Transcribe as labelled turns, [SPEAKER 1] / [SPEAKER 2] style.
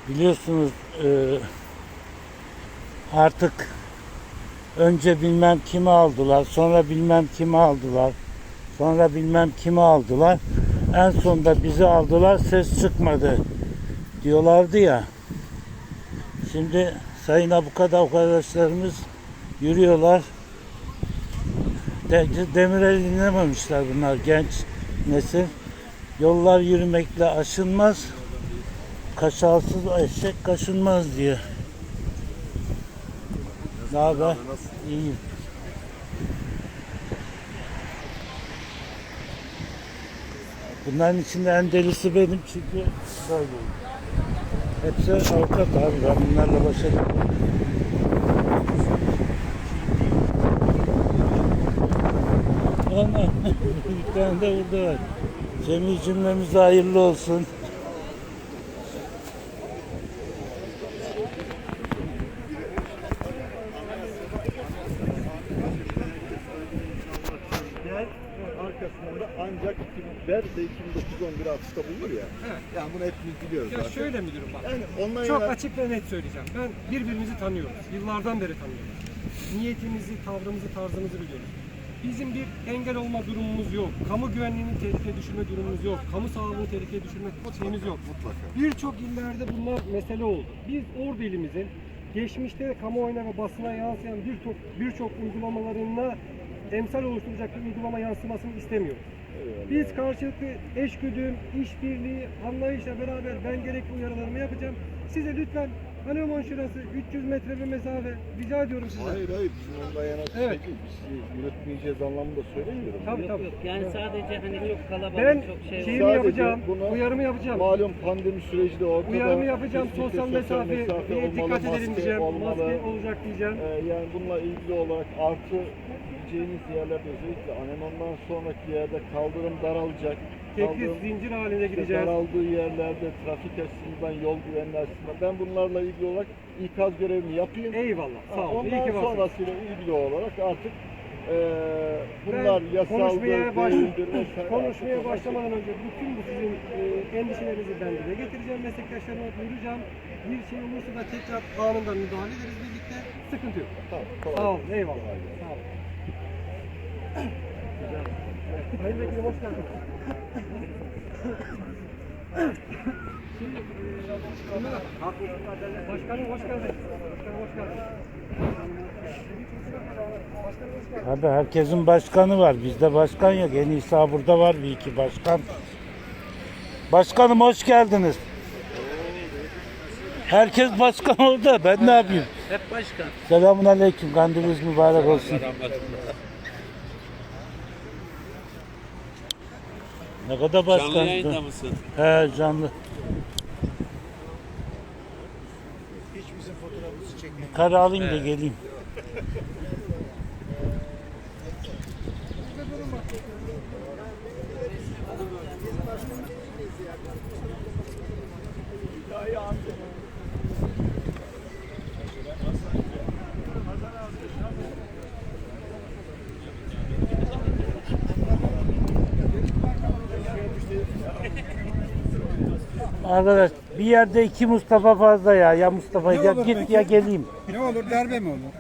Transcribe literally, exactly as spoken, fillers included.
[SPEAKER 1] Biliyorsunuz e, artık önce bilmem kimi aldılar, sonra bilmem kimi aldılar, sonra bilmem kimi aldılar. En sonunda bizi aldılar, ses çıkmadı diyorlardı ya. Şimdi sayın avukat arkadaşlarımız yürüyorlar. De, Demirel'i dinlememişler bunlar, genç nesil. Yollar yürümekle aşınmaz, kaşalsız eşek kaşınmaz diye. Ne haber? İyiyim. Bunların içinde en delisi benim çünkü böyleyim. Hepsi avukat abi, ben bunlarla baş edemem. Ana, bir tane de burada var. Cemil cümlemize hayırlı olsun.
[SPEAKER 2] Arkasından da ancak iki bin beş ve iki bin dokuz on bir atıfta bulunur ya.
[SPEAKER 3] Evet.
[SPEAKER 2] Yani bunu hepimiz biliyoruz
[SPEAKER 3] Ya
[SPEAKER 2] zaten.
[SPEAKER 3] şöyle müdürüm bak.
[SPEAKER 2] Yani onunla
[SPEAKER 3] Çok
[SPEAKER 2] yana-
[SPEAKER 3] açık ve net söyleyeceğim. Ben birbirimizi tanıyoruz. Yıllardan beri tanıyoruz. Niyetimizi, tavrımızı, tarzımızı biliyoruz. Bizim bir engel olma durumumuz yok. Kamu güvenliğini tehlikeye düşürme durumumuz yok. Kamu sağlığını tehlikeye düşürme şeyimiz yok.
[SPEAKER 2] Mutlaka.
[SPEAKER 3] Birçok illerde bunlar mesele oldu. Biz Ordu ilimizin geçmişte kamuoyuna ve basına yansıyan birçok birçok uygulamalarına emsal oluşturacak bir uygulama yansımasını istemiyoruz. Biz karşılıklı eşgüdüm, işbirliği, anlayışla beraber ben gerekli uyarılarımı yapacağım. Size lütfen Haneman şurası üç yüz metre bir mesafe rica ediyorum size.
[SPEAKER 2] Hayır hayır bizim ondan yana
[SPEAKER 3] Evet.
[SPEAKER 2] şey değil. Biz yönetmeyeceğiz anlamında söylemiyorum.
[SPEAKER 3] Tabii tabii.
[SPEAKER 4] Yok yani sadece hani çok kalabalık
[SPEAKER 3] Ben
[SPEAKER 4] çok şey
[SPEAKER 3] şeyimi
[SPEAKER 2] Sadece
[SPEAKER 3] yapacağım,
[SPEAKER 2] bunu-
[SPEAKER 3] uyarımı yapacağım.
[SPEAKER 2] Malum pandemi süreci de ortada.
[SPEAKER 3] Uyarımı yapacağım,
[SPEAKER 2] Kesinlikle
[SPEAKER 3] sosyal mesafe,
[SPEAKER 2] mesafe
[SPEAKER 3] bir
[SPEAKER 2] olmalı,
[SPEAKER 3] dikkat edelim
[SPEAKER 2] maske
[SPEAKER 3] diyeceğim,
[SPEAKER 2] olmalı.
[SPEAKER 3] maske olacak diyeceğim.
[SPEAKER 2] Ee, yani bununla ilgili olarak artı gideceğiniz yerlerde özellikle Anemon'dan sonraki yerde kaldırım daralacak.
[SPEAKER 3] Tekli
[SPEAKER 2] Kaldırım
[SPEAKER 3] zincir halinde
[SPEAKER 2] işte
[SPEAKER 3] gideceğiz.
[SPEAKER 2] daraldığı yerlerde trafik açısından, yol güvenliği açısından ben bunlarla ilgili olarak ikaz görevimi yapayım.
[SPEAKER 3] Eyvallah, sağ olun. İyi
[SPEAKER 2] Ondan
[SPEAKER 3] ki varsın.
[SPEAKER 2] sonrasıyla ilgili olarak artık eee bunlar
[SPEAKER 3] Ben
[SPEAKER 2] yasaldır,
[SPEAKER 3] konuşmaya, baş,
[SPEAKER 2] değildir vesaire.
[SPEAKER 3] konuşmaya
[SPEAKER 2] Artık
[SPEAKER 3] başlamadan önce bütün bu sizin e, endişelerinizi ben dile getireceğim. Meslektaşlarıma duyuracağım. Bir şey olursa da tekrar anında müdahale ederiz birlikte. Sıkıntı yok.
[SPEAKER 2] Tamam, kolay
[SPEAKER 3] Sağ olun,
[SPEAKER 2] gelsin.
[SPEAKER 3] eyvallah.
[SPEAKER 2] Kolay gelsin.
[SPEAKER 3] Sağ olun. Sayın Vekilim hoş geldiniz. Şimdi, e, Ömer, Başkanım hoş geldiniz. Başkanım hoş geldiniz. Başkanım hoş geldiniz.
[SPEAKER 1] Abi herkesin başkanı var. Bizde başkan yok. En iyisi ha burada var bir iki başkan. Başkanım hoş geldiniz. Herkes başkan orada. Ben ne yapayım?
[SPEAKER 4] hep başkan.
[SPEAKER 1] Selamun aleyküm. Kandiliniz mübarek olsun. Ne kadar başkan?
[SPEAKER 5] Canlı yayında mısın?
[SPEAKER 1] He canlı.
[SPEAKER 2] Hiç bizim fotoğrafımızı çekmeyin.
[SPEAKER 1] Kare alayım da geleyim. Arkadaş bir yerde iki Mustafa fazla ya. Ya Mustafa ya git ya geleyim.
[SPEAKER 6] Ne olur darbe mi olur?